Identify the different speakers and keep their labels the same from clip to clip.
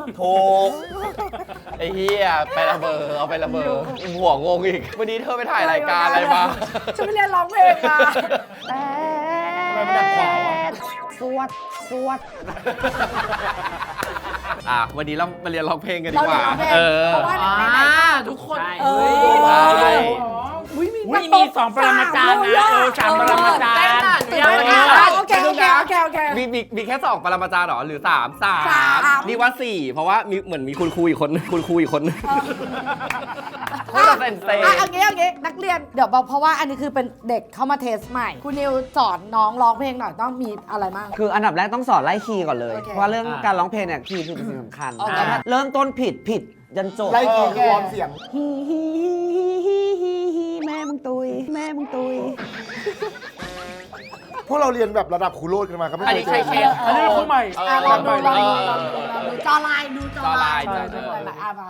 Speaker 1: ถูกไอ้เหี้ยไประเบอเอาไประเบอหัวงงอีกวันนี้เธอไปถ่ายรายการอะไรมา
Speaker 2: ฉันไปเรียนร้องเพลงมา
Speaker 3: สวดสวด
Speaker 1: วันนี้เรามาเรียนร้องเพลงกันดี
Speaker 2: เรา
Speaker 1: ก
Speaker 2: เรีย
Speaker 1: ว่าน
Speaker 2: ร้องเพลง
Speaker 1: เออ
Speaker 2: เพราะว่าไหนๆ
Speaker 4: ทุกคน
Speaker 2: เออ
Speaker 1: ใช่
Speaker 4: มี2 ปรมาจารย์นะ3 ปรมาจารย์
Speaker 2: โอเค
Speaker 1: มีแค่2ปรมาจารย์หรอหรือ3นี่ว่า4เพราะว่ามีเหมือนมีคุณครูอีกคนพูดเซนเซ่
Speaker 2: เอางี้นักเรียนเดี๋ยวเพราะว่าอันนี้คือเป็นเด็กเข้ามาเทสใหม่คุณนิวสอนน้องร้องเพลงหน่อยต้องมีอะไรบ้าง
Speaker 3: คืออันดับแรกต้องสอนไล่คีย์ก่อนเลย
Speaker 2: โอเค
Speaker 3: เพราะเรื่องการร้องเพลงเนี่ยคีย์คือสิ่งสำคัญ
Speaker 2: โอเค
Speaker 3: เริ่มต้นผิดยันจบ
Speaker 5: ไล่คีย์คือวอร์มเสียง
Speaker 3: แม่มึงตุยแม่มึงตุย
Speaker 5: พวกเราเรียนแบบระดับครูโรดกันมาก็ไม่
Speaker 1: อัน
Speaker 5: เค
Speaker 1: นี้
Speaker 5: ยเจ
Speaker 1: ใช่
Speaker 5: อ
Speaker 1: เชฟ
Speaker 4: อันนี้คือใหม่
Speaker 2: ลองดู
Speaker 1: เออ
Speaker 2: จอไลน์ดูจอไลน์
Speaker 1: จอไลน์
Speaker 2: หลายๆมา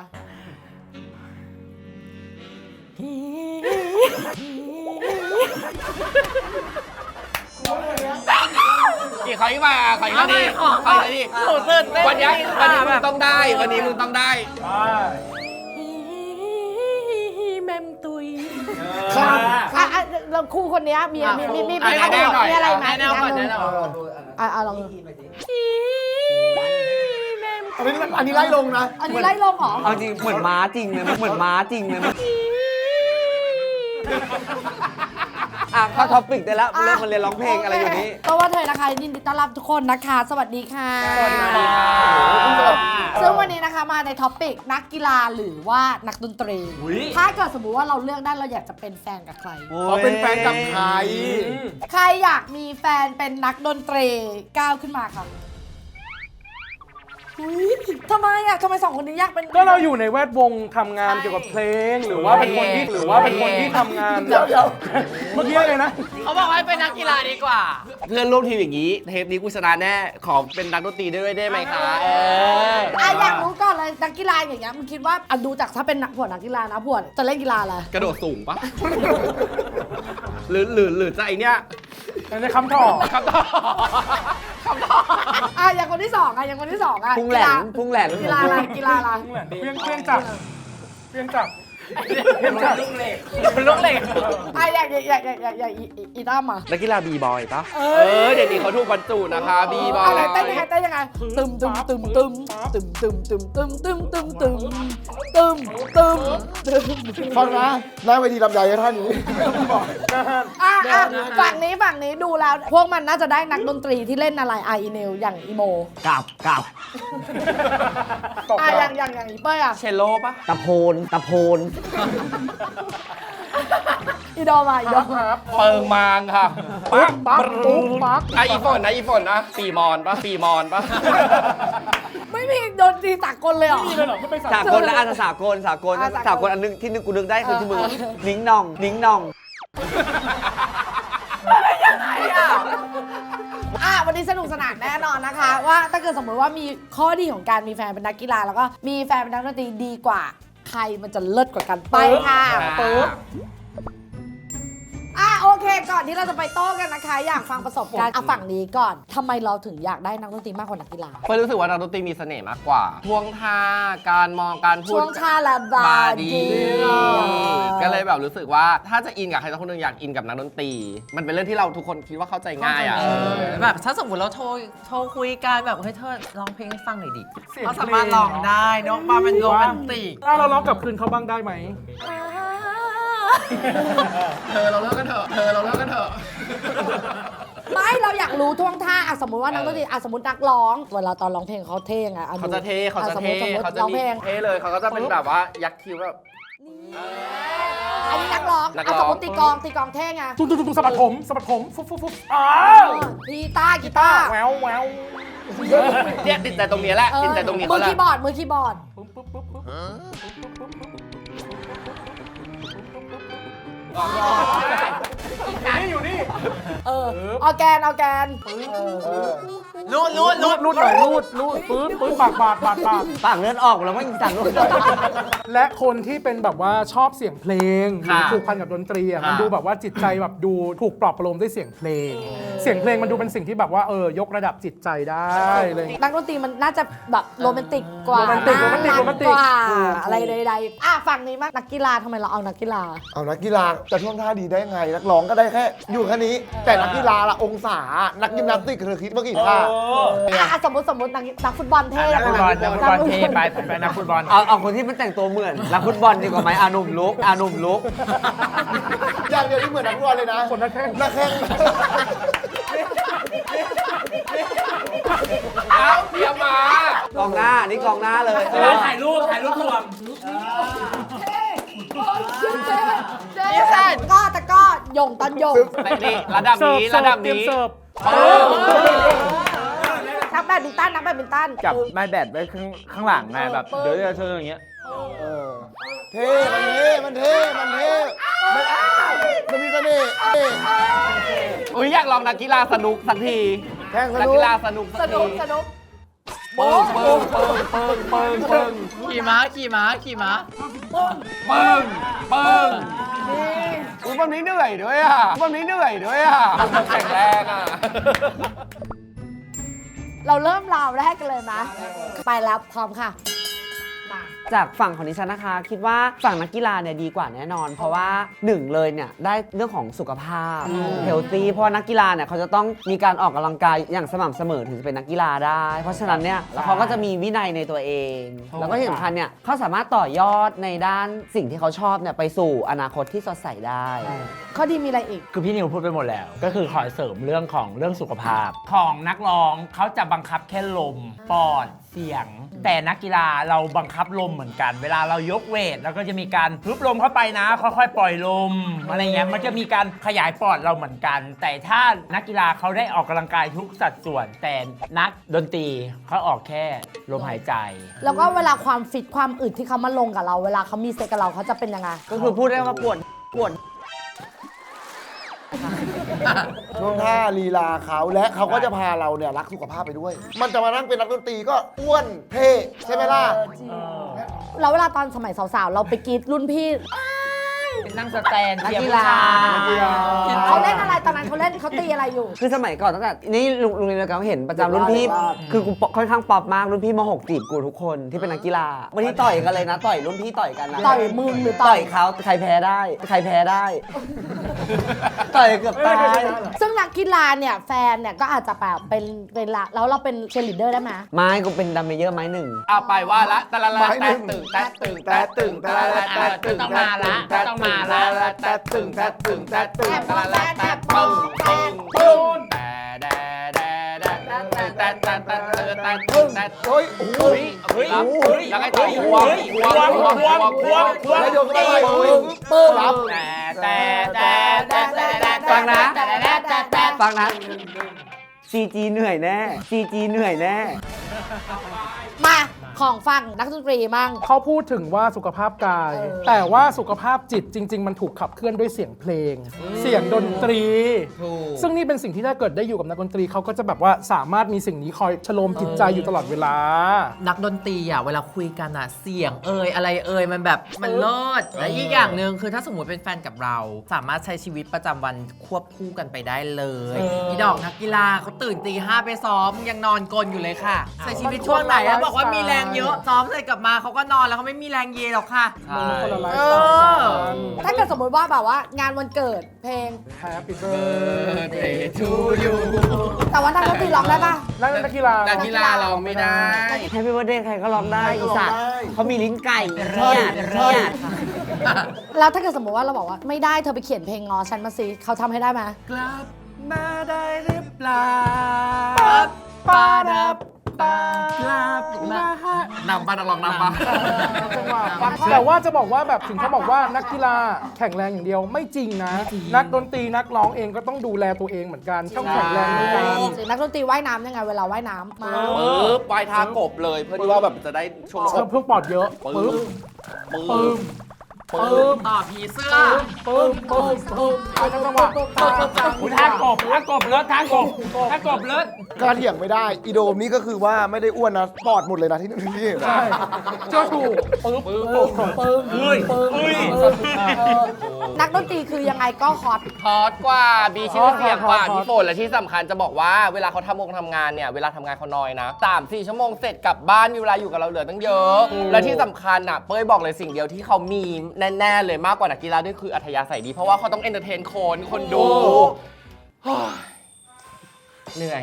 Speaker 1: ขออีกมาขออีกทีขออีกทีวันนี้มึงต้องได้วันนี้มึงต้องได้
Speaker 2: แมมตุยเราครูคนนี้มีอะไรไหม
Speaker 4: แนะนำก่อนแนะนำ
Speaker 2: ลอง
Speaker 5: อันนี้ไล่ลงนะ
Speaker 2: อันนี้ไล่ลงเหรอ
Speaker 3: เอาจริงเหมือนม้าจริงเลยเหมือนม้าจริงเลยเข้าท็อปปิกได้แล้วเริ่มมาเรียนร้องเพลงอะไรอยู่นี้
Speaker 2: ก็ว่าเธอนะคะยินดีต้อนรับทุกคนนะคะ สวัสดีค่ะ
Speaker 1: สวัสดีค่ะ
Speaker 2: ซึ่งวันนี้นะคะมาในท็อปปิกนักกีฬาหรือว่านักดนตรี ถ้าเกิดสมมุติว่าเราเลือกได้เราอยากจะเป็นแฟนกับใคร
Speaker 5: เขาเป็นแฟนกับใคร
Speaker 2: ใครอยากมีแฟนเป็นนักดนตรีก้าวขึ้นมาค่ะทำไมสองคนนี้อยากเป็น
Speaker 4: ก็เราอยู่ในแวดวงทำงานเกี่ยวกับเพลงหรือว่าเป็นคนที่ทำงานเมื่อกี้อะไรนะ
Speaker 1: เขาบอกให้เป็นนักกีฬาดีกว่า เพื่อนร่วมทีมอย่างนี้เทปนี้กูชนะแน่ขอเป็นนักดนตรีด้วยได้ไหมคะ
Speaker 2: อยากรู้ก่อนเลยนักกีฬาอย่างเงี้ยมึงคิดว่าดูจากถ้าเป็นนักกีฬานะพวดจะเล่นกีฬาอะไร
Speaker 1: กระโดดสูงปะหรือจะไอเนี้ย
Speaker 4: อันนี้คำตอบ
Speaker 1: คำตอบ
Speaker 2: อย่างคนที่สอง
Speaker 3: พุงแหลนพุงแหลน
Speaker 2: กีฬาอะไร
Speaker 4: เพียงจับ
Speaker 1: ลูกเหล็ก
Speaker 2: อยากอีตั้มอ่ะ
Speaker 1: นักกีฬาบีบอยปะเดี๋ยวนี้เขาถูกบรรจุนะคะบีบอย
Speaker 2: อะไรเต้นยังไงตึม
Speaker 5: ฟังนะหน้าเวทีลำไยให้ท่านนี้
Speaker 2: ฝั่งนี้ดูแล้ว พวกมันน่าจะได้นักดนตรีที่เล่นอะไรอีเนลอย่างอีโม
Speaker 3: กลับ
Speaker 2: อย่างอีเป้ยอ่ะ
Speaker 1: เชลโลปะ
Speaker 3: ตะโพน
Speaker 2: อีดอม
Speaker 1: เปิงมางค่ะ
Speaker 2: ปั๊ก
Speaker 1: อีฝนนะปีมอนปะ
Speaker 2: ไม่มีดนตรีสากลเลยเหรอ
Speaker 3: สากลและสากลอันนึงที่นึกกูนึกได้คือที่มึงนิ้งนอง
Speaker 2: วันนี้สนุกสนานแน่นอนนะคะ ว่าถ้าเกิดสมมติว่ามีข้อดีของการมีแฟนเป็นนักกีฬาแล้วก็มีแฟนเป็นนักดนตรีดีกว่า ใครมันจะเลิศกว่ากันไปค่ะปึ๊บโอเคก่อนที่เราจะไปโต้กันนะคะ อยากฟังประสบการณ์ฝั่งนี้ก่อนทำไมเราถึงอยากได้นักดนตรีมากกว่านักกีฬา
Speaker 1: เพื่อรู้สึกว่านักดนตรีมีเสน่ห์มากกว่าท่วงท่าการมองการพูด
Speaker 2: ช่วงชาละบาดี
Speaker 1: ก็เลยแบบรู้สึกว่าถ้าจะอินกับใครสักคนหนึ่งอยากอินกับนักดนตรี มันเป็นเรื่องที่เราทุกคนคิดว่าเข้าใจง่ายอ่ะ
Speaker 6: แบบถ้าสมมติเราโทรคุยกันแบบเฮ้ยเธอร้องเพลงให้ฟังหน่อยดิเขาสามารถร้องได้เนอะมาเป็นโรแมนติก
Speaker 4: ถ้าเราร้องกลับคืนเขาบ้างได้ไหม
Speaker 1: เราเลิกกันเถอะ
Speaker 2: ไม่เราอยากรู้ท่วงท่าสมมติว่านักดนตรีสมมตินักร้องเวลาตอนร้องเพลงเขาเท่ไง
Speaker 1: เขาจะเท่
Speaker 2: สมมติ
Speaker 1: เขาจะ
Speaker 2: ร้อง
Speaker 1: มี
Speaker 2: เพลง
Speaker 1: เท่เลยเขาก็จะเป็นแบบว่ายักคิ้วแบบ
Speaker 2: อันนี้นักร้องสมมติตีกลองเท่ไง
Speaker 4: ตุ้งสะบัดผมฟุบ
Speaker 2: กีตาร์
Speaker 4: แวว
Speaker 1: เนี่ยติดใจตรงนี้แหละติดใจตรงนี้
Speaker 2: มื
Speaker 1: เขา
Speaker 2: อ
Speaker 1: แหละ
Speaker 2: คีย์บอร์ด
Speaker 4: อยู่นี่
Speaker 2: ออร์แกน
Speaker 6: รูด
Speaker 4: รูดหน่อยรูดปื๊ดปากบาด
Speaker 3: ปากเลือดออกแล้วว่าอีสั่งรูด
Speaker 4: และคนที่เป็นแบบว่าชอบเสียงเพลงหรือผูกพันกับดนตรีอ่ะมันดูแบบว่าจิตใจแบบดูถูกปลอบประโลมด้วยเสียงเพลง เสียงเพลงมันดูเป็นสิ่งที่แบบว่ายกระดับจิตใจได้เลย
Speaker 2: นักดนตรีมันน่าจะแบบโรแมนติกกว่า
Speaker 4: โรแมนติก
Speaker 2: น่ารั
Speaker 4: โรแมนติก
Speaker 2: กว่า
Speaker 4: ถูก
Speaker 2: อะไรใดๆฝั่งนี้มากนักกีฬาทำไมเราเอานักกีฬา
Speaker 5: เอานักกีฬาจะท่วงท่าดีได้ไง นักร้องก็ได้แค่ อยู่แค่นี้ แต่นักกีฬาละองศา นักยิมนาสติกเธอคิดว่ากี่ท่า
Speaker 2: สมมตินักฟุตบอลเท่
Speaker 6: นักฟุตบอลเทไปนักฟุตบอล
Speaker 3: เอาคนที่มันแต่งตัวเหมือนนักฟุตบอลดีกว่าไหมอาหนุ่มลุก
Speaker 5: อย่างเดียวที่เหมือนนักฟุตบอลเลยนะ
Speaker 4: คนนักแข่ง
Speaker 5: นักแข่ง
Speaker 1: เอาเตรียมมาก
Speaker 3: องหน้านี่กองหน้าเลย
Speaker 6: ถ่ายรูปรวม
Speaker 2: ก็ตะก้อยงตอนยง
Speaker 1: นี่ระดับนี้ระดับนี้
Speaker 4: เสิร์ฟ
Speaker 2: นักแบดมินตัน
Speaker 7: จับไม้แบดไว้ข้างหลังไงแบบเดี๋ยวจะเชิญอย่างเงี้ย
Speaker 5: เท่มันเท่มันมีเสน่ห์
Speaker 1: อุ้ยอยากลองนักกีฬาสนุกสักที
Speaker 5: แข่งส
Speaker 1: นัก
Speaker 5: นุก
Speaker 1: กีฬาสนุกสักที เปิ้ง
Speaker 6: ขี่ม้า
Speaker 1: เปิ้งอุ้ยวันนี้เหนื่อยด้วยอ่ะแข็งแรงอ่ะ
Speaker 2: เราเริ่มราวแรกกันเลยไหมไปแล้วพร้อมค่ะ
Speaker 3: จากฝั่งของดิฉันนะคะ คิดว่าฝั่งนักกีฬาเนี่ยดีกว่าแน่นอน เพราะว่าหนึ่งเลยเนี่ยได้เรื่องของสุขภาพเฮลตี้เพราะว่านักกีฬาเนี่ยเขาจะต้องมีการออกกำลังกายอย่างสม่ำเสมอถึงจะเป็นนักกีฬาได้ เพราะฉะนั้นเนี่ยแล้วเขาก็จะมีวินัยในตัวเอง แล้วก็ที่สำคัญเนี่ยเขาสามารถต่อยอดในด้านสิ่งที่เขาชอบเนี่ยไปสู่อนาคตที่สดใสได้
Speaker 2: ข้อดีมีอะไรอีก
Speaker 7: คือพี่นิวพูดไปหมดแล้ว ก็คือขอเสริมเรื่องสุขภาพ ของนักร้องเขาจะบังคับแค่ลมปอดเสียง แต่นักกีฬาเราบังคับลมเหมือนกัน เวลาเรายกเวทเราก็จะมีการพึบลมเข้าไปนะค่อยๆปล่อยลมอะไรเงี้ยมันจะมีการขยายปอดเราเหมือนกัน แต่ถ้านักกีฬาเขาได้ออกกำลังกายทุกสัดส่วน แต่นักดนตรีเขาออกแค่ลมหายใจ
Speaker 2: แล้วก็เวลาความฟิตความอึดที่เขามาลงกับเรา เวลาเขามีเซ็กกับเราเขาจะเป็นยังไง
Speaker 3: ก็คือพูดได้ว่าปวด
Speaker 5: ช่วงท่าลีลาเขาและเขาก็จะพาเราเนี่ยรักสุขภาพไปด้วย มันจะมานั่งเป็นนักดนตรีก็อ้วนเท่ใช่ไหมล่ะ
Speaker 2: แล้วเวลาตอนสมัยสาวๆ เราไปกรีดรุ่นพี่
Speaker 6: นั่งสแตน
Speaker 3: นัก
Speaker 6: เทียบ
Speaker 3: กี
Speaker 6: ผู้
Speaker 3: ฬา
Speaker 6: ชาย
Speaker 2: เขาเล่นอะไรตอนนั้นเขาตีอะไรอยู่
Speaker 3: คือสมัยก่อนตั้งแต่นี่ลุงเรียนแล้วเห็นประจำรุ่นพี่ คือกูค่อนข้างป๊อปมากรุ่นพี่ม.6จีบกูทุกคนที่เป็นนักกีฬาวันนี้ต่อยกันเลยนะต่อยรุ่นพี่ต่อยกันนะ
Speaker 2: ต่อยมึงหรือต่
Speaker 3: ต่
Speaker 2: อ
Speaker 3: อย ยเขาใครแพ้ได้ ต่อยเกือบตาย
Speaker 2: ซึ่งนักกีฬาเนี่ยแฟนเนี่ยก็อาจจะแบบเป็นละแล้วเราเป็นเชียร์ลีดเดอร์ได้ไหม
Speaker 3: ไม่กูเป็นดัมเมเยอร์ไม้หนึ่ง
Speaker 1: เอาไปว่าละตะละละแต่ตึงแต่ตึงแต่ตึงตะละละแต่ตึง
Speaker 6: ต้องมาละ
Speaker 1: แต่ตึงแต่ตึงแต่ตึงตะละละแต่ปึ้งแต่แดแดแดแต่ตึงแต่
Speaker 5: เฮ้ย โอ้โห
Speaker 1: แล้วไงต่อควง
Speaker 5: แล้วโยนเข้าไปปึ้งรับ
Speaker 3: ฟังนะ CG เหนื่อยแน่
Speaker 2: มาของฟังนักดนตรีมั่ง
Speaker 4: เขาพูดถึงว่าสุขภาพกาย แต่ว่าสุขภาพจิตจริง ๆ มันถูกขับเคลื่อนด้วยเสียงเพลง เสียงดนตรี ซึ่งนี่เป็นสิ่งที่ถ้าเกิดได้อยู่กับนักดนตรีเขาก็จะแบบว่าสามารถมีสิ่งนี้คอยชโลมจิตใจอยู่ตลอดเวลา
Speaker 6: นักดนตรีอ่ะเวลาคุยกันอ่ะเสียงอะไรมันแบบมันเลิศและอีกอย่างหนึ่งคือถ้าสมมติเป็นแฟนกับเรา สามารถใช้ชีวิตประจำวันควบคู่กันไปได้เลยอีดอกนักกีฬาเขาตื่นตี 5ไปซ้อมยังนอนกลนอยู่เลยค่ะใช้ชีวิตช่วงไหนแล้วบอกว่ามีแรงเยอะซ้อมเสร็จกลับมาเขาก็นอนแล้วเขาไม่มีแรงเยหรอกค่ะ
Speaker 4: มันคนละไลฟ์
Speaker 6: เอ
Speaker 4: สไตล์กัน
Speaker 2: ถ้าเกิดสมมติว่าแบบว่างานวันเกิดเพลง
Speaker 4: Happy birthday
Speaker 2: แต่ว่านักดนตรีร้องได้ปะ
Speaker 4: นักกีฬา
Speaker 1: นักกีฬาเราไม่ได้
Speaker 3: Happy birthday ใครก็ร้องได้
Speaker 5: ใครก็
Speaker 3: อี
Speaker 5: ร้อง
Speaker 3: สัตว์
Speaker 5: ได้
Speaker 3: เขามีลิ้นไก่
Speaker 5: ใช่
Speaker 3: เนี่ย
Speaker 2: แล้วถ้าเกิดสมมติว่าเราบอกว่าไม่ได้เธอไปเขียนเพลงงอฉันมาสิเขาทำให้ได้ไหม
Speaker 1: กลับมาได้หรือเปล่า
Speaker 6: ปาดับปาก
Speaker 1: ลับมานำปานักร้องนำปา
Speaker 4: แต่ว่าจะบอกว่าแบบถึงเขาบอกว่านักกีฬาแข็งแรงอย่างเดียวไม่จริงนะ นักดนตรีนักร้องเองก็ต้องดูแลตัวเองเหมือนกันต้องแข็งแรงเหมือนกัน
Speaker 2: นักดนตรีว่ายน้ำยังไงเวลาว่ายน้ำมา
Speaker 1: ปึ๊บปลายทางกบเลยเพื่อที่ว่าแบบจะได้ช่วง
Speaker 4: เพิ่มปอดเยอะปึ๊บ
Speaker 1: ปึ๊บ
Speaker 6: ต่อผีเสื้อ
Speaker 4: ปึ้มเอาจังหวะ
Speaker 7: อุ๊ยท่ากบเลิศท่ากบเลิศ
Speaker 5: กระเถียงไม่ได้ อีโดมนี่ก็คือว่าไม่ได้อ้วนนะปอดหมดเลยนะที่นี่
Speaker 4: ใช่เจ้าถูกปึ๊บ
Speaker 2: นักดนตรีคือยังไงก็ฮอต
Speaker 1: ฮอตกว่ามีชื่อเสียงกว่าพี่ฝนและที่สำคัญจะบอกว่าเวลาเขาทำงานเนี่ยเวลาทำงานเขาน้อยนะ3-4 ชั่วโมงเสร็จกลับบ้านมีเวลาอยู่กับเราเหลือตั้งเยอะ และที่สำคัญอ่ะเป้ยบอกเลยสิ่งเดียวที่เขามีแน่ๆเลยมากกว่านักกีฬาด้วยคืออัธยาศัยดีเพราะว่าเขาต้องเอนเตอร์เทนคนดูเหนื่อย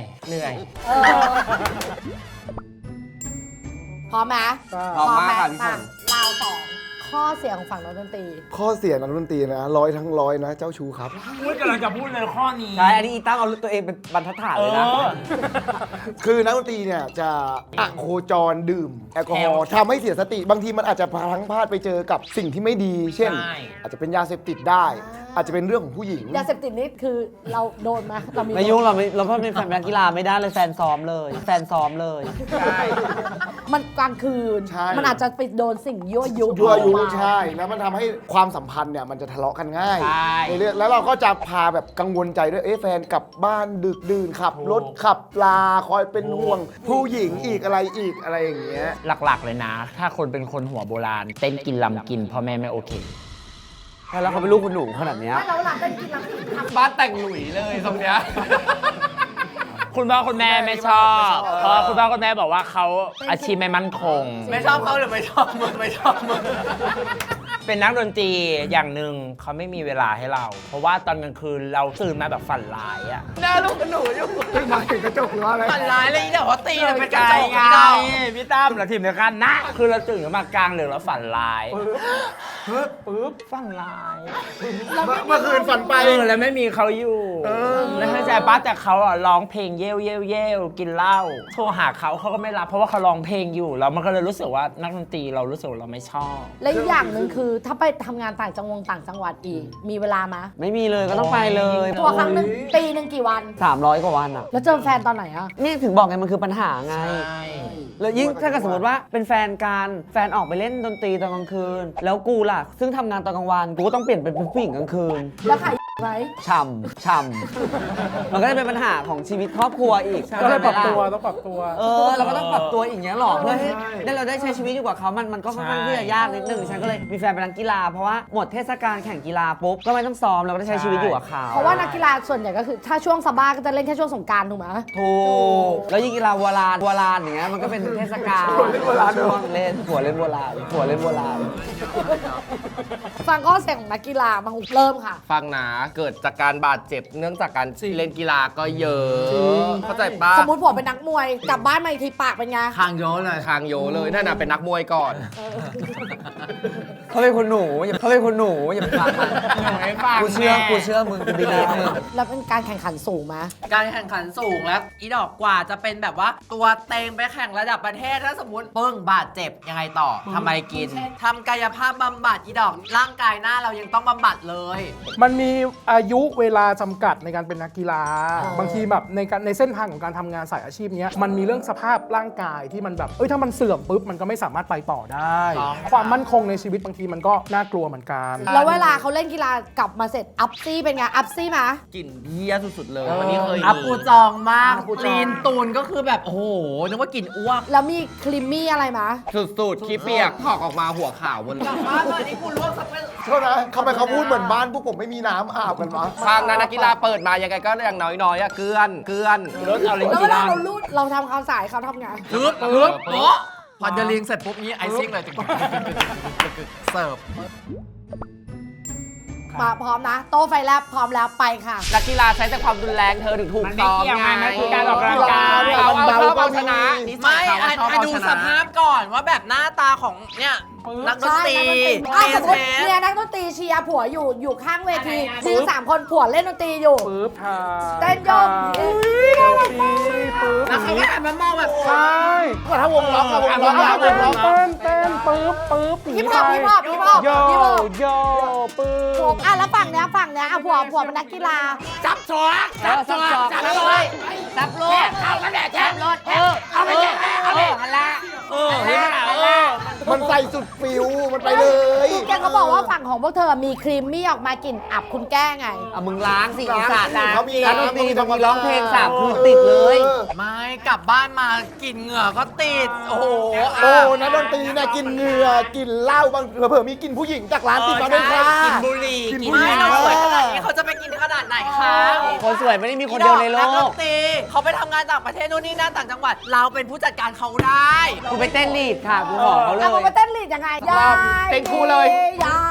Speaker 2: พร้อมไหม
Speaker 3: พร้อมมากค่ะพี่ฝน
Speaker 2: ราวสองข้อเสียของฝั่งนักดนตรี
Speaker 5: ข้อเสียนักดนตรีนะ100 ทั้ง 100นะเจ้าชูครับ
Speaker 7: พูดกำลังจะพูดเลยข้อนี้
Speaker 3: ใช่อันนี้อีตั้งเอาตัวเองเป็นบรรทัดฐานเลยนะ
Speaker 5: คือนักดนตรีเนี่ยจะอะโคจรดื่มแอลกอฮอล์ทำให้เสียสติบางทีมันอาจจะพลั้งพลาดไปเจอกับสิ่งที่ไม่ดี เช่น
Speaker 7: ใช่
Speaker 5: อาจจะเป็นยาเสพติดได้ อาจจะเป็นเรื่องของผู้หญิง
Speaker 2: ยาเสพติดนี่คือเราโดนไหมเรามี
Speaker 3: ไม่ยุ่งเราเพราะเป็นแฟนนักกีฬาไม่ได้เลยแฟนซ้อมเลย
Speaker 2: มันกลางคืน
Speaker 5: ใช่
Speaker 2: มันอาจจะไปโดนสิ่งยั่วยุ
Speaker 5: ยั่วยุ
Speaker 2: ออกมา
Speaker 5: ใช่ แล้วมันทำให้ความสัมพันธ์เนี่ยมันจะทะเลาะกันง่าย
Speaker 7: ใช่
Speaker 5: ในเรื่องแล้วเราก็จะพาแบบกังวลใจด้วยแฟนกลับบ้านดึกดื่นขับรถขับลาคอยเป็นห่วง ผู้หญิงอีกอะไรอย่างเงี้ย
Speaker 7: หลักๆเลยนะ ถ้าคนเป็นคนหัวโบราณ เต้นกินลำกินพ่อแม่ไม่โอเค
Speaker 3: แล้วเขาเป็นลูกคุณหนูขนาดเนี้ย
Speaker 2: ไม่เราหลังเป็นกินหลังกินทำ
Speaker 1: บ้านแต่งหลุยเลยตรงเนี้ย
Speaker 7: คุณพ่อคุณแม่ไม่ชอบเพราะคุณพ่อคุณแม่บอกว่าเขาอาชีพไม่มั่นคง
Speaker 6: ไม่ชอบเขาหรือไม่ชอบมึงไม่ชอบมึง
Speaker 7: เป็นนักดนตรีอย่างหนึ่งเขาไม่มีเวลาให้เรา เพราะว่าตอนกลางคืนเราตื่นมาแบบฝันร้ายอะ
Speaker 1: หน้าลูกกับหนูอยู่
Speaker 5: มาถึงกระจกหรือว่าอะไร
Speaker 6: ฝันร้ายเลยอีเดี๋ยวเขาตีเลยเป็นกระจก
Speaker 7: ไง
Speaker 6: ไงเรา
Speaker 7: พี่ตั้มเราทีมเดียวกันนะ คือเราตื่นมากลางดึกแล้วฝันร้ายปึ๊บฝันร้าย
Speaker 5: เมื่อคืนฝันไป
Speaker 7: แล้วไม่มีเขาอยู่แล้วเข้าใจป้าแต่เขาอ่ะร้องเพลงเย่วกินเหล้าโทรหาเขาก็ไม่รับเพราะว่าเขาร้องเพลงอยู่แล้วมันก็เลยรู้สึกว่านักดนตรีเรารู้สึกว่าเราไม่ชอบ
Speaker 2: และอีกอย่างหนึ่งคือถ้าไปทำงานต่างจังหวัดอีก มีเวลาไหม
Speaker 3: ไม่มีเลยก็ต้องไปเลย
Speaker 2: ตัวครั้งหนึ่งปีหนึ่งกี่วัน
Speaker 3: 300 กว่าวันอ่ะ
Speaker 2: แล้วเจอแฟนตอนไหนอะ
Speaker 3: นี่ถึงบอกไงมันคือปัญหาไง แล้วยิ่งถ้าเกิดสมมติว่าเป็นแฟนกันแฟนออกไปเล่นดนตรีตอนกลางคืน แล้วกูล่ะ ซึ่งทำงานตอนกลางวันกูก็ต้องเปลี่ยนเป็นผู้หญิงกลางคืน
Speaker 2: แล้วขายไหม
Speaker 3: ช่ำมันก็จะเป็นปัญหาของชีวิตครอบครัวอีก
Speaker 4: ก็เลยปรับตัว
Speaker 3: ใช่ไหมล่ะ
Speaker 4: ต้องปรับตัว
Speaker 3: เราก็ต้องปรับตัวอย่างเงี้ยหรอเพื่อให้เราได้ใช้ชีวิตอยู่กับเขามันก็ค่อนข้างที่จะยากนิดนึงฉันก็เลยมีแฟนเป็นนักกีฬาเพราะว่าหมดเทศกาลแข่งกีฬาปุ๊บก็ไม่ต้องซ้อมเราก็ได้ใช้ชีวิตอยู่กับเขา
Speaker 2: เพราะว่านักกีฬาส่วนใหญ่ก็คือถ้าช่วงซาบ้าก็จะเล่นแค่ช่วงสงกรานต์ถูกไหม
Speaker 3: ถูกแล้วยิ่งกีฬาโบราณอย่างเงี้ยมันก็เป็นเทศกาลช่วงเล่นหัวเล่นโบราณ
Speaker 2: ฟังข้อเสียงของนักกีฬามาเริ่มค่ะ
Speaker 1: ฟังนะเกิดจากการบาดเจ็บเนื่องจากการเล่นกีฬาก็เยอะ เข้าใจปะ
Speaker 2: สมมติผมเป็นนักมวยกลับบ้านมาอีกทีปากเป็นไง
Speaker 6: คางโยเลย
Speaker 1: ทางโยเลยนั่นน่ะเป็นนักมวยก่อน
Speaker 3: เขาเป็นคนหนูอย่าไปฟังมัน
Speaker 7: หนูไม่ฟัง
Speaker 3: กูเชื่อมึงกูบิลีฟมึง
Speaker 2: แล้วเป็นการแข่งขันสูงไหม
Speaker 6: การแข่งขันสูงแล้วอีดอกกว่าจะเป็นแบบว่าตัวเต็งไปแข่งระดับประเทศถ้าสมมติปึ้งบาดเจ็บยังไงต่อทำไมกินทำกายภาพบำบัดอีดอกร่างกายหน้าเรายังต้องบำบัดเลย
Speaker 4: มันมีอายุเวลาจำกัดในการเป็นนักกีฬา บางทีแบบในเส้นทางของการทำงานสายอาชีพเนี้ยมันมีเรื่องสภาพร่างกายที่มันแบบถ้ามันเสื่อมปุ๊บมันก็ไม่สามารถไปต่อได้ ความมั่นคงในชีวิตบางทีมันก็น่ากลัวเหมือนกัน
Speaker 2: แล้วเวลาเขาเล่นกีฬากลับมาเสร็จอัพซี่เป็นไงอัพซี่ไหม
Speaker 1: กลิ่นเหี้ยสุดๆเลยวันนี้เคย
Speaker 6: อัปปูจองมากลีนตูนก็คือแบบโอ้โหนึกว่ากลิ่นอ้วก
Speaker 2: แล้วมีคลิมมี่อะไรไหม
Speaker 1: สุดๆขี้เปียกถอกออกมาหัวขาวหมดเลย
Speaker 6: บ้านเลยนี่กูรู้สักเป็น
Speaker 5: โทษนะทำไมเขาพูดเหมือนบ้านพวกผมไม่มีน้ำอาบกันวะ
Speaker 1: ทางนั้นนักกีฬาเปิดมายังไงก็อย่างน้อยๆอะเกลือน
Speaker 7: รถเอาเล่น
Speaker 2: แล้ว
Speaker 7: กี
Speaker 2: เวลา
Speaker 7: ฬา
Speaker 2: เราลูดเราทำความสะอาดเขาทำไง
Speaker 6: ปึ๊บโป๊ะพอจะลิงเสร็จปุ๊บนี้ไอซิ่งเลยเสิร์ฟ
Speaker 2: มาพร้อมนะ โต๊ะไฟแลบพร้อมแล้วไปค่ะ
Speaker 1: นักกีฬาใช้แต่ความรุนแรงเธอถึงถูก
Speaker 7: มันไม่
Speaker 1: ซ้อม
Speaker 7: เกี่ยว
Speaker 1: ไง
Speaker 7: ไงมันคือการออกกำลังกาย
Speaker 1: เอาเอาชนะนิสั
Speaker 6: ไม่
Speaker 1: ยเขา
Speaker 6: ไอ้
Speaker 1: ชอบ
Speaker 6: ไอ้
Speaker 1: เอา
Speaker 6: ดู
Speaker 1: ช
Speaker 6: ส
Speaker 1: นะ
Speaker 6: ภาพก่อนว่าแบบหน้าตาของเนี่ยนักดนตรี
Speaker 2: อ้าวสมมติ
Speaker 6: เท
Speaker 2: เนี่ยนักดนตรีเชียร์ผัวอยู่ข้างเวทีมี3 คนผัวเล่นดนตรีอยู่
Speaker 4: ปึ๊บถ่าย
Speaker 2: เต้นโยก
Speaker 4: ปึ๊บ
Speaker 6: แล้วเขาก็หันมามองแบบ
Speaker 4: ใช่
Speaker 5: ก็ถ้าวงล็อกอะวงล็อกอะว
Speaker 4: เต้
Speaker 5: ง
Speaker 4: น
Speaker 5: ล็อก
Speaker 4: เต้นปึ๊บหนี
Speaker 2: ฮิป
Speaker 4: ไป
Speaker 2: ฮอป
Speaker 4: โยโยปึ๊
Speaker 2: ผม
Speaker 4: บ
Speaker 2: แล้วฝั่งเนี้ยผัวเป็นนักกีฬา
Speaker 7: จับสวกจับสวกจับเลยจับรถเอากระแดดจับรถเอาไปเลยเอาไปหันละเห็นไหม
Speaker 5: มันใส่สุดฟิวมันไปเลย
Speaker 2: แกก็บอกว่าฝั่งของพวกเธอมีครีมมี่ออกมากลิ่นอับคุณแก้ไง
Speaker 3: เอามึงล้างสิอีสานล้าง
Speaker 5: เขามี
Speaker 3: นักดนตรีบางทีร้องเพลงสามคืนติดเลย
Speaker 6: ไม่กลับบ้านมากลิ่นเหงื่อก็ติด โอ้โห
Speaker 5: โอ้นักดนตรีเนี่ยกินเหงื่อกินเหล้าบางเผื่อๆมีกินผู้หญิงจากร้านติดมาด้วยค่ะ
Speaker 6: กินบุหรี่
Speaker 5: กิน
Speaker 6: กิน
Speaker 5: บุหรี่
Speaker 6: ไม่เราสวยขนาดนี้เขาจะไปกินขนาดไหนคะ
Speaker 3: คนสวยไม่ได้มีคนเดียวในโล
Speaker 6: นักด
Speaker 3: ก
Speaker 6: นตรีเขาไปทำงานต่างประเทศนู่นนี่นั่นต่างจังหวัด เราเป็นผู้จัดการเขาได้
Speaker 3: กูไปเต้นลีดค่ะกูบอกเขาเล
Speaker 2: เอา
Speaker 3: ย
Speaker 2: มาเต้นลีดยังไงยาย
Speaker 1: เต้นคู่เลย
Speaker 2: ยาย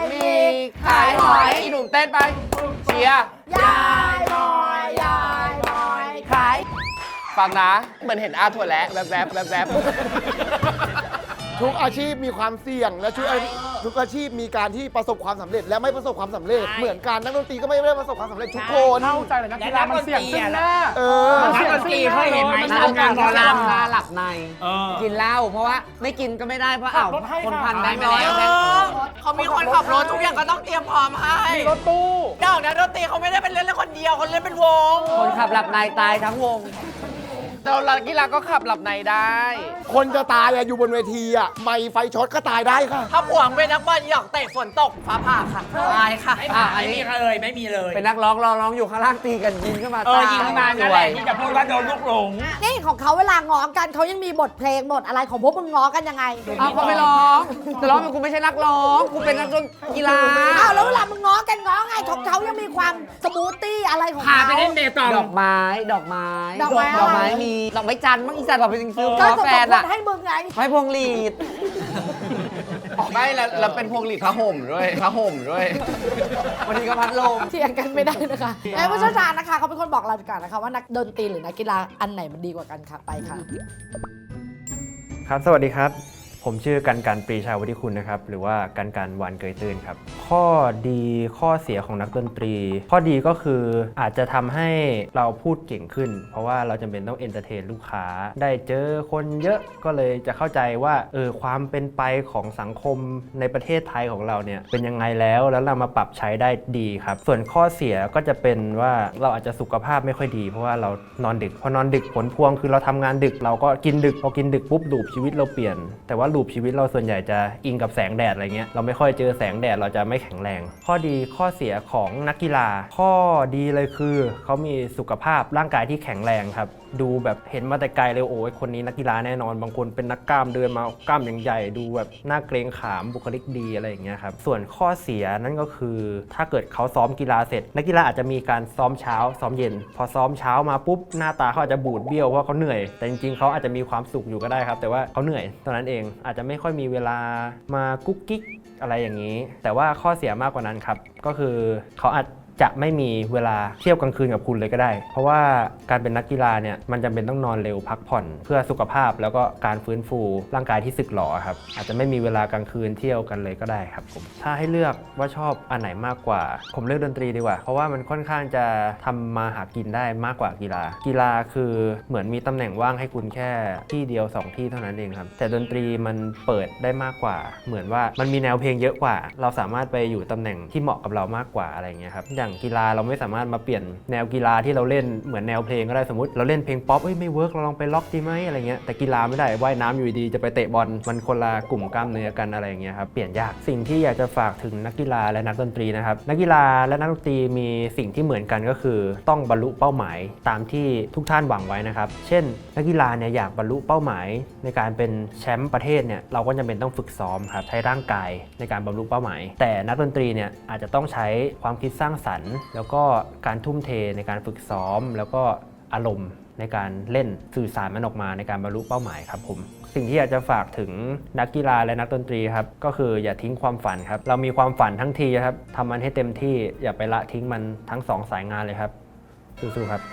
Speaker 1: มีขายหอยอีหนุ่มเต้นไปเชียร์
Speaker 2: ยายบอยยายบอยขาย
Speaker 1: ฟังนะ เหมือนเห็นอาถั่วแระแวบแวบแวบแวบ
Speaker 5: ทุกอาชีพมีความเสี่ยงและทุกอาชีพมีการที่ประสบความสำเร็จและไม่ประสบความสำเร็จ เหมือนกันนักดนตรีก็ไม่ได้ประสบความสำเร็จทุกคน
Speaker 4: เข้าใจเลยนักกีฬามันเสี่ยงซึ่งหน้า
Speaker 5: เออ
Speaker 4: มัน
Speaker 7: นัก
Speaker 4: เสี่ยง
Speaker 7: ดนตรีเคยเห็นไหม
Speaker 4: มัน
Speaker 7: ทำงานหมอล
Speaker 3: หน้าหลับใน
Speaker 7: เออ
Speaker 3: กินเหล้าเพราะว่าไม่กินก็ไม่ได้เพราะอ้าว
Speaker 4: ขับรถให้
Speaker 3: คน
Speaker 4: ค่ะ
Speaker 3: พันแบงค์
Speaker 6: เอ
Speaker 3: ร้อยเอาแบงค์
Speaker 6: อเขามีคนขับรถทุกอย่างก็ต้องเตรียมพร้อมให้
Speaker 4: มีรถตู้
Speaker 6: ดอกนักดนตรีเขาไม่ได้เป็นเล่นคนเดียวเขาเล่นเป็นวง
Speaker 3: คนขับหลับในตายทั้งวง
Speaker 1: เรานักกีฬาก็ขับหลับในได้
Speaker 5: คนจะตายอะอยู่บนเวทีอะไม่ไฟช็อตก็ตายได้ค่ะ
Speaker 6: ถ้าผัวเป็นนักบอลหยอกเตะฝนตกฟ้าผ่าค่ะตายค่ะ
Speaker 7: ไม่มีเลยไม่มีเลย
Speaker 3: เป็นนักร้องร้องอยู่ข้างล่างตีกันยิงขึ้นมา
Speaker 7: ยิงขึ้นมานั่นแหละที่จะพูดว่าโดนลูกหลง
Speaker 2: นี่ของเขาเวลาง้อกันเขายังมีบทเพลงบทอะไรของพวกมึงง้อกันยังไง
Speaker 3: เอาเขาไม่ร้องแต่ร้องเป็นกูไม่ใช่นักร้องกูเป็นนักดนกีฬา
Speaker 2: อ้าวแล้วเวลามึงง้อกันง้อไงของเขายังมีความสมูทตี้อะไรของ
Speaker 7: พา
Speaker 2: เขา
Speaker 7: ไปเล่นเบตอง
Speaker 3: ดอกไม้ ดอกไม้
Speaker 2: ดอกไม้อะไร
Speaker 3: ดอกไม้มีดอกไม้จันทร์มั้งอีสานบอกเป็นจริงซื้อ
Speaker 2: ก็
Speaker 3: ขอ
Speaker 2: จะ
Speaker 3: แฟ
Speaker 2: ต
Speaker 3: น
Speaker 2: ก
Speaker 3: อะ
Speaker 2: ให้มึงไง
Speaker 3: ไม้พวงหลีด
Speaker 1: ไม่แล้วเป็นพวงหลีดผ้าห่มด้วยผ้าห่มด้วย
Speaker 3: วันนี้ก็พัดลม
Speaker 2: เถียงกันไม่ได้นะคะไอ้ผู้เชี่ยวชาญนะคะเขาเป็นคนบอกเราดีกว่านะคะว่านักดนตรีหรือนักกีฬาอันไหนมันดีกว่ากันค่ะไปค่ะ
Speaker 8: ครับ สวัสดีครับ ผมชื่อกันปรีชาวุฒิคุณนะครับ หรือว่ากันวานเกยตื้นครับ ข้อดีข้อเสียของนักดนตรี ข้อดีก็คืออาจจะทำให้เราพูดเก่งขึ้น เพราะว่าเราจำเป็นต้องเอนเตอร์เทนลูกค้า ได้เจอคนเยอะก็เลยจะเข้าใจว่าความเป็นไปของสังคมในประเทศไทยของเราเนี่ยเป็นยังไงแล้วเรามาปรับใช้ได้ดีครับ ส่วนข้อเสียก็จะเป็นว่าเราอาจจะสุขภาพไม่ค่อยดี เพราะว่าเรานอนดึกพอนอนดึกผลพวงคือเราทำงานดึกเราก็กินดึกพอกินดึกปุ๊บลูปชีวิตเราเปลี่ยนแต่ว่าลูปชีวิตเราส่วนใหญ่จะอิงกับแสงแดดอะไรเงี้ยเราไม่ค่อยเจอแสงแดดเราจะไม่แข็งแรง ข้อดีข้อเสียของนักกีฬา ข้อดีเลยคือเขามีสุขภาพร่างกายที่แข็งแรงครับดูแบบเห็นมาแต่ไกลเลยโอ้ยคนนี้นักกีฬาแน่นอนบางคนเป็นนักกล้ามเดินมากล้ามอย่างใหญ่ดูแบบหน้าเกรงขามบุคลิกดีอะไรอย่างเงี้ยครับส่วนข้อเสียนั่นก็คือถ้าเกิดเขาซ้อมกีฬาเสร็จนักกีฬาอาจจะมีการซ้อมเช้าซ้อมเย็นพอซ้อมเช้ามาปุ๊บหน้าตาเขาอาจจะบูดเบี้ยวเพราะเขาเหนื่อยแต่จริงๆเขาอาจจะมีความสุขอยู่ก็ได้ครับแต่ว่าเขาเหนื่อยตอนนั้นเองอาจจะไม่ค่อยมีเวลามากุ๊กกิ๊กอะไรอย่างนี้แต่ว่าข้อเสียมากกว่านั้นครับก็คือเขาอาจจะไม่มีเวลาเที่ยวกลางคืนกับคุณเลยก็ได้เพราะว่าการเป็นนักกีฬาเนี่ยมันจำเป็นต้องนอนเร็วพักผ่อนเพื่อสุขภาพแล้วก็การฟื้นฟูร่างกายที่สึกหรอครับอาจจะไม่มีเวลากลางคืนเที่ยวกันเลยก็ได้ครับผมถ้าให้เลือกว่าชอบอันไหนมากกว่าผมเลือกดนตรีดีกว่าเพราะว่ามันค่อนข้างจะทำมาหากินได้มากกว่ากีฬาคือเหมือนมีตำแหน่งว่างให้คุณแค่ที่เดียว2ที่เท่านั้นเองครับแต่ดนตรีมันเปิดได้มากกว่าเหมือนว่ามันมีแนวเพลงเยอะกว่าเราสามารถไปอยู่ตำแหน่งที่เหมาะกับเรามากกว่าอะไรเงี้ยครับอย่างกีฬาเราไม่สามารถมาเปลี่ยนแนวกีฬาที่เราเล่นเหมือนแนวเพลงก็ได้สมมติเราเล่นเพลงป๊อปไม่เวิร์กเราลองไปล็อกดีไหมอะไรเงี้ยแต่กีฬาไม่ได้ว่ายน้ำอยู่ดีจะไปเตะบอลมันคนละกลุ่มกล้ามเนื้อกันอะไรอย่างเงี้ยครับเปลี่ยนยากสิ่งที่อยากจะฝากถึงนักกีฬาและนักดนตรีนะครับนักกีฬาและนักดนตรีมีสิ่งที่เหมือนกันก็คือต้องบรรลุเป้าหมายตามที่ทุกท่านหวังไว้นะครับเช่นนักกีฬาเนี่ยอยากบรรลุเป้าหมายในการเป็นแชมป์ประเทศเนี่ยเราก็จำเป็นต้องฝึกซ้อมครับใช้ร่างกายในการบรรลุเป้าหมายแต่นักดนตรีเนี่ยอาจจะต้องใช้ความคิดสร้างสรรค์แล้วก็การทุ่มเทในการฝึกซ้อมแล้วก็อารมณ์ในการเล่นสื่อสารมันออกมาในการบรรลุเป้าหมายครับผมสิ่งที่อยากจะฝากถึงนักกีฬาและนักดนตรีครับก็คืออย่าทิ้งความฝันครับเรามีความฝันทั้งทีครับทำมันให้เต็มที่อย่าไปละทิ้งมันทั้ง2สายงานเลยครับสู้ๆครับ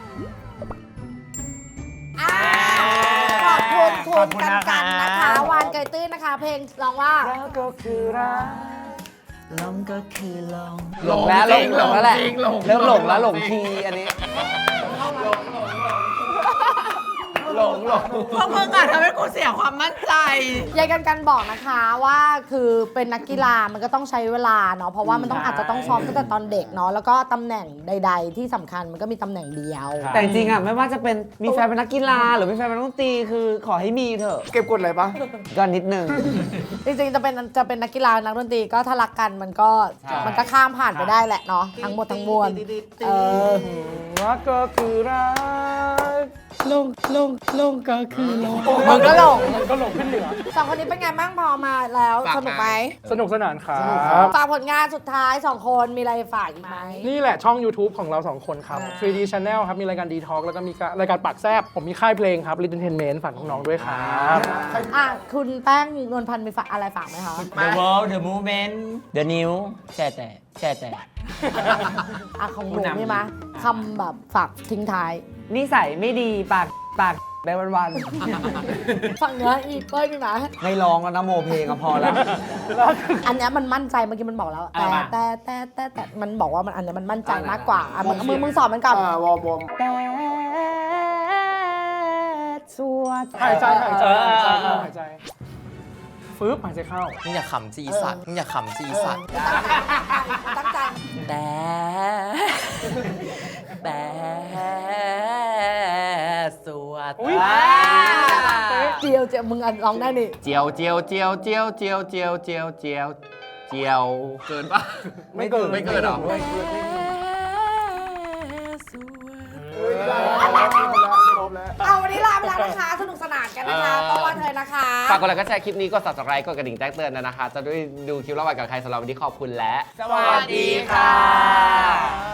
Speaker 2: ขอบคุณคุ
Speaker 7: ขอ
Speaker 2: ณ
Speaker 7: บคุณ
Speaker 2: กัน
Speaker 7: นะคะ
Speaker 2: นะคะวานเกยตื้นนะคะ เพลงร้องว่า
Speaker 3: แล้วก็คือรัก
Speaker 6: ลงก็คือลง
Speaker 3: หลงแล้วแหละเริ่มหลงแล้วหลงทีอันนี้
Speaker 1: หลง
Speaker 6: พวกมึงอะทำให้กูเสียความมั่นใจ
Speaker 2: ยายกันบอกนะคะว่าคือเป็นนักกีฬามันก็ต้องใช้เวลาเนาะเพราะว่ามันต้องอาจจะต้องซ้อมตั้งแต่ตอนเด็กเนาะแล้วก็ตำแหน่งใด ๆ ที่สำคัญมันก็มีตำแหน่งเดียว
Speaker 3: แต่จริงๆอ่ะไม่ว่าจะเป็นมีแฟนเป็นนักกีฬาหรือมีแฟนเป็นนักดนตรีคือขอให้มีเถอะ
Speaker 5: เก็บกดอะไรปะ
Speaker 3: ก็นิดนึง
Speaker 2: จริงๆจะเป็นนักกีฬานักดนตรีก็ถ้ารักกันมันก็ข้ามผ่านไปได้แหละเนาะทั้งหมดทั้งมวล
Speaker 4: รักก็คือรักลงก็คือลง
Speaker 2: มึงก็หลง
Speaker 4: มันก็ลงขึ้นเหนือ
Speaker 2: สองคนนี้เป็นไงบ้างพอมาแล้วสนุกไหม
Speaker 4: สนุกสนานครับ
Speaker 2: ฝากผลงานสุดท้ายสองคนมีอะไรฝากอีกไหม
Speaker 4: นี่แหละช่อง YouTube ของเรา 2 คนครับ 3D Channel ครับ มีรายการ D-Talk แล้วก็มีรายการปากแซบผมมีค่ายเพลงครับ Little Entertainment ฝากน้องๆด้วยครับ
Speaker 2: คุณแป้งนวลพันธ์มีฝากอะไรฝากไหมคะ
Speaker 7: The world the movement the new แช่แต่
Speaker 2: ของหนูมีไหมคำแบบฝากทิ้งท้าย
Speaker 3: นิสัยไม่ดีปากไปวัน
Speaker 2: ฝั่งเนื้ออีเป้ยมีไหม
Speaker 3: ๆไม่ร้องแล้วนะโมเพลงก็พอแล้ว
Speaker 2: อันเนี้ยมันมั่นใจเมื่อกี้มันบอกแล้ว แต่มันบอกว่ามันอันเนี้ยมันมั่นใจมากกว่ามึงสอนมันกับ
Speaker 5: วอร์ม
Speaker 2: แต่สวด
Speaker 4: หายใจฟื้บหายใจเข้า
Speaker 6: มึงอย่าขำจีสัตว์
Speaker 2: ตั้งใจ
Speaker 6: แต่สวด
Speaker 2: เจียวมึงร้องได้นี่
Speaker 1: เจียวเกินปะ
Speaker 4: ไม่เกิน
Speaker 1: ไม่เกินหรอ
Speaker 2: เอาวันนี้ลาไปแล้วนะคะสนุกสนานกันนะคะต้องว่าเธอนะคะ
Speaker 1: ฝากกดไลค์ก็แชร์คลิปนี้กด subscribe กดกระดิ่งแจ้งเตือนนะคะ จะได้ดูคลิประหว่างกับใครสำหรับวันนี้ขอบคุณและ
Speaker 6: สวัสดีค่ะ